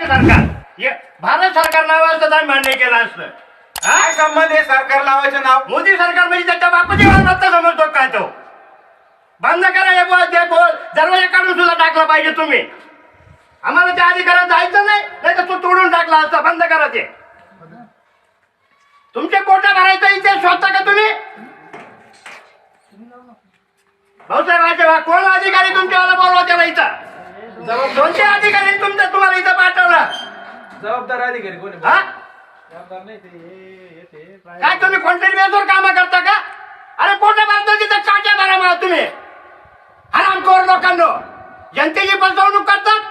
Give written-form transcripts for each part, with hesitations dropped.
सरकार भारत सरकार नावाचं तर मान्य केलं असतं. काय संबंध आहे सरकार लावायचं नाव? मोदी सरकार म्हणजे त्याच्या बापाची मालमत्ता समजतो काय तो? बंद करा हे बोल ते बोल, दरवाजा काढून सुद्धा टाकला पाहिजे तुम्ही. आम्हाला त्या अधिकारात जायचं नाही, नाही तर तो तोडून टाकला असता. बंद करा ते. तुमचे पोटा भरायचा इथे स्वतः का तुम्ही? भाऊसाहेब कोण अधिकारी तुमच्यावाला बोलवा त्याला इथं? कोणते अधिकारी तुम्हाला इथं पाठवलं? जबाबदार अधिकारी कोणी? हा? जबाबदार नाही ते काय तुम्ही कॉन्ट्रॅक्ट बेसवर काम करता का? अरे पोटा भरतो तिथं काट्या भरा मला तुम्ही. हरामखोर लोकांनो, जनतेची फसवणूक करतात.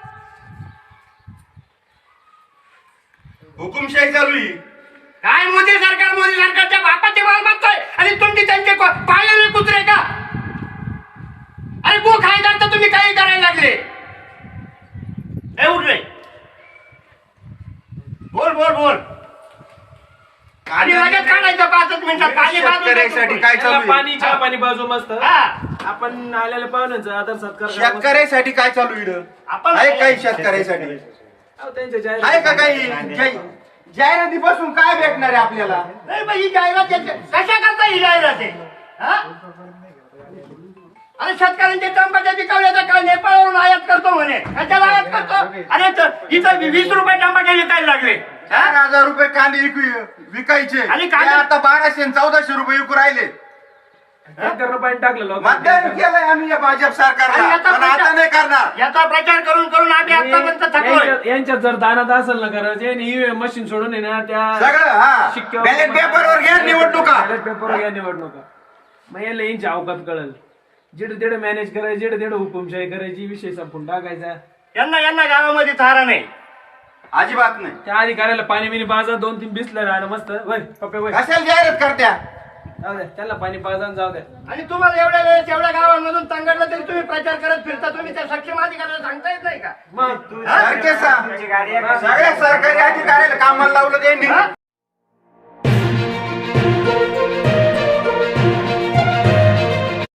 हुकुमशाही चालू आहे. काय मोदी सरकारच्या बापाची मालमत्ता आहे आणि तुमची त्यांचे पायाने कुत्रे का? अरे गो खायदार तर तुम्ही काही करायला लागले. उठ रे, बोल आणि लगेच काढायचं 5 मिनिटात. पाणी शेतकऱ्यासाठी काय चालू आहे? पाणी चहा पाणी बाजू मस्त. हा. आपण आलेल्या पाहुण्यांचा आदर सत्कार करा. शेतकऱ्यासाठी काय चालू आहे? आपण आहे काही शेतकऱ्यासाठी? अहो, त्यांच्या आहे का काही जाहिरातीपासून काय भेटणार आहे आपल्याला? नाही पण ही जाहिरात कशा करता ही जाहिरात आहे? हा? अरे शेतकऱ्यांचे टमाटे पिकवल्याचा काय नेपाळवरून आयात करतो म्हणे. कशाला आयात करतो? अरे इथं 20 रुपये टमाटे विकायला लागले. 4,000 रुपये कांदे विकायचे आणि ते आता 1200 आणि 1400 रुपये विकू राहिले. पाणी टाकलं मतदान केलंय आम्ही या भाजप सरकारला, आणि याचा पण आता नाही करणार. याचा प्रचार करून आम्ही आतापर्यंत थकलोय. यांच्यात जर दानात असेल ना करायचं ईव्हीएम मशीन सोडून आहे ना त्या सगळं हा बॅलेट पेपरवर घ्या निवडणुका. बॅलेट पेपरवर घ्या निवडणुका. मग याला यांची अवकात कळल. जिथे तिथे मॅनेज करायची, जिथे तिथे हुकुमशाही करायची, विषय संपून टाकायचा. यांना गावामध्ये थारा नाही, अजिबात नाही. त्या अधिकाऱ्याला पाणी बिनी पाजा 2-3 बिसलं राहिलं मस्त. वय पप्पे वय कशाला जाहिरात करत्या? जाऊ द्या त्याला पाणी पाजा जाऊ द्या. आणि तुम्हाला एवढ्या वेळेस एवढ्या गावांमधून तंगडलं तरी तुम्ही प्रचार करत फिरता. तुम्ही त्या सक्षम अधिकाऱ्याला सांगता येत नाही का? मग सगळ्या सरकारी अधिकाऱ्याला कामाला लावलं त्यांनी.